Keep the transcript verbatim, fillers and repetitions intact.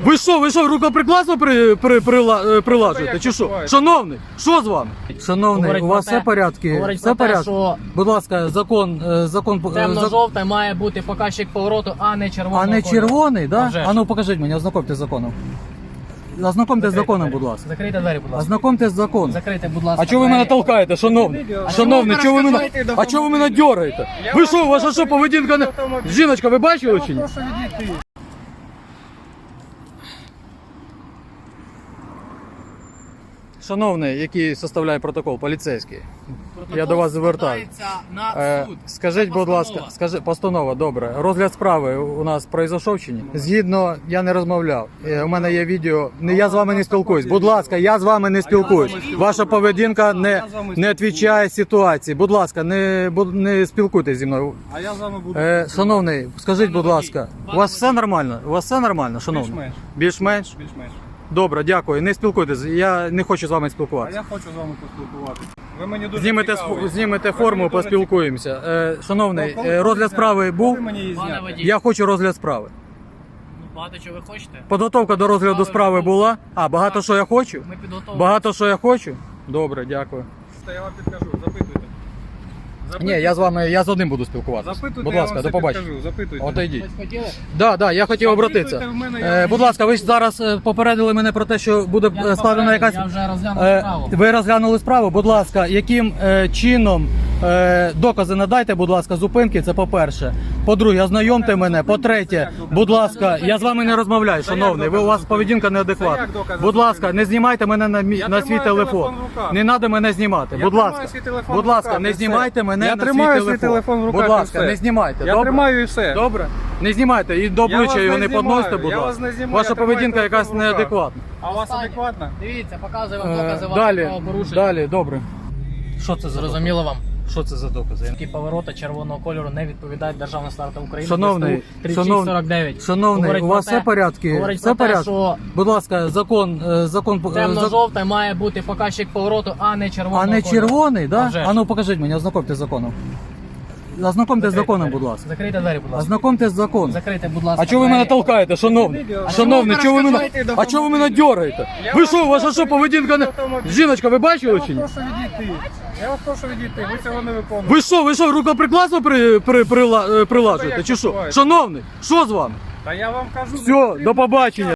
Ви що, ви що, рукоприкладство при, при, прила, прилажуєте, чи що? Шановний, що з вами? Шановний, Говорить у вас про те- все порядки? говорить Все про те, порядки? що Будь ласка, закон, е, закон, е, зак- темно-жовте має бути показчик повороту, а не червоного а не кольору. червоний, А да? вже ж. А ну покажіть мені, ознакомте з законом. Ознакомте з Закрийте законом, двері. будь ласка. Закрийте двері, будь ласка. Ознакомте з законом. Закрийте, будь ласка. А чого ви мене двері. толкаєте, шановний? Шановний, чого ви мене, а чого ви мене дергаєте? Ви що, ваша що поведінка не... Жіночка, ви бачили чи ні? Шановний, який составляє протокол, поліцейський, Протокол я до вас звертаюся. складається на Е, суд. скажіть, Це будь ласка, постанова. скажи, постанова, добре. Розгляд справи у нас пройшов чи ні? Згідно, я не розмовляв. Е, У мене є відео. Не, я з вами не спілкуюсь. Будь ласка, я з вами не спілкуюсь. Ваша поведінка не, не відповідає ситуації. Будь ласка, не, бу- не спілкуйтесь зі мною. А я з вами буду. Е, шановний, скажіть, будь ласка, у вас все нормально? У вас все нормально, шановний? Більш-менш. Більш-менш? Більш-менш. Добре, дякую. Не спілкуйтесь. Я не хочу з вами А спілкуватися. я хочу з вами поспілкуватися. Ви мені дуже Знімете, цікаві. сф- знімете Ви форму, мені дуже поспілкуємося. Е, шановний, цікаві. е, розгляд справи був. Коли мені її Пане зняти? водій. Я хочу розгляд справи. Ну, багато чого ви хочете? Підготовка до розгляду справи була. А, багато що я хочу? Ми підготовлені. Багато що я хочу? Добре, дякую. Та я вам підкажу, запитуйте. Ні, я з вами, я з одним буду спілкуватися. Запитуйте, Будь я ласка, вам до все побачення. підкажу, запитуйте. Отойдіть. Щось хотіли? Да, да, я хотів Запитуйте обратитися. в мене, я Е, вам будь ласка, ви ж зараз е, попередили мене про те, що буде Я е, не складена попередив, якась. Я вже розглянув Е, справу. Ви розглянули справу, будь ласка, яким е, чином е, докази надайте, будь ласка, зупинки, це по-перше. По-друге, ознайомте мене. По-третє, будь ласка, я з вами не розмовляю, шановний. Ви у вас поведінка Це неадекватна. як докази Будь ласка, зупинки? не знімайте мене на, мі- Я на свій тримаю телефон. телефон в руках. Не треба мене знімати. Я Будь тримаю ласка, свій телефон будь в ласка, руках, не і знімайте все. мене Я на тримаю свій свій телефон. телефон в руках, Будь і ласка, все. не знімайте. Я добре? тримаю і все. Добре? Не знімайте і до Я обличчя вас його не не подносите, знімаю, будь я вас ласка. не знімаю, Ваша я тримаю поведінка телефон якась в руках. неадекватна. А у вас Останнє. адекватно? Дивіться, показую вам Е, докази Далі, вашого порушення. далі, добре. Що це за Зрозуміло вам? докази? Що це за докази? Які повороти червоного кольору не відповідають державним стартам України. Шановний, тридцять шість сорок дев'ять. шановний, Говорить у про вас те- все порядки? Говорить Все про те, порядки? що Будь ласка, закон, е, закон, е, зак- темно-жовте має бути показчик повороту, а не червоного а не кольору. червоний, А да? вже ж. А ну покажіть мені, ознакомте з законом. Ознакомте з Закрийте законом, двері. будь ласка. Закрийте двері, будь ласка. Ознакомте з законом. Закрийте, будь ласка. А чого ви мене двері. толкаєте, шановний? Шановний, чого ви мене, а чого ви мене дергаєте? Ви що, ваша що поведінка не... Жіночка, ви бачили чи ні? Прошу відійти. Я вас прошу відійти, ви цього не виконуєте. Ви що, ви що, рукоприкладство при, при, прила- е, прилажуєте, чи що? Шановний, що з вами? Та я вам кажу. Все, до побачення.